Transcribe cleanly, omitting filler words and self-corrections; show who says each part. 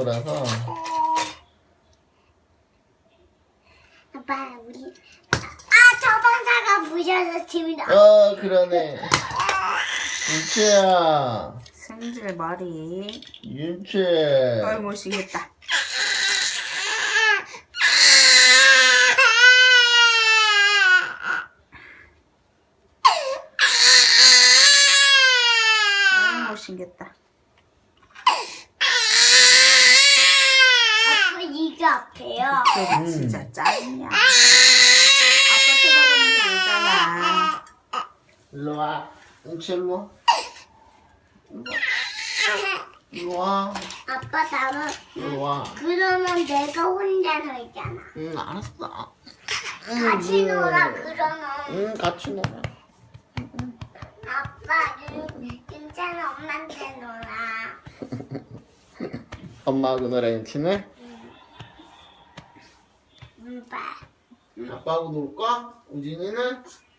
Speaker 1: 거라서.
Speaker 2: 아빠 우리 저번사가 부셔서 재밌다.
Speaker 1: 그러네. 윤채야.
Speaker 3: 승질 머리.
Speaker 1: 윤채.
Speaker 3: 아이 못생겼다. 아이 못생겼다.
Speaker 2: 아빠 이게 아파요.
Speaker 3: 쟤가 진짜 짜증이야. 아빠 쳐다보면서 울잖아.
Speaker 1: 일로 와. 윤채 일로 와. 일로 와.
Speaker 2: 아빠 나는
Speaker 1: 일로 와.
Speaker 2: 그러면 내가 혼자 서 있잖아.
Speaker 1: 응, 알았어.
Speaker 2: 같이 놀아 그러면.
Speaker 1: 응, 같이 놀아.
Speaker 2: 아빠 윤찬은 엄마한테 놀아.
Speaker 1: 엄마하고 놀아, 윤채는?
Speaker 2: 봐.
Speaker 1: 아빠하고 놀 거야? 우진이는?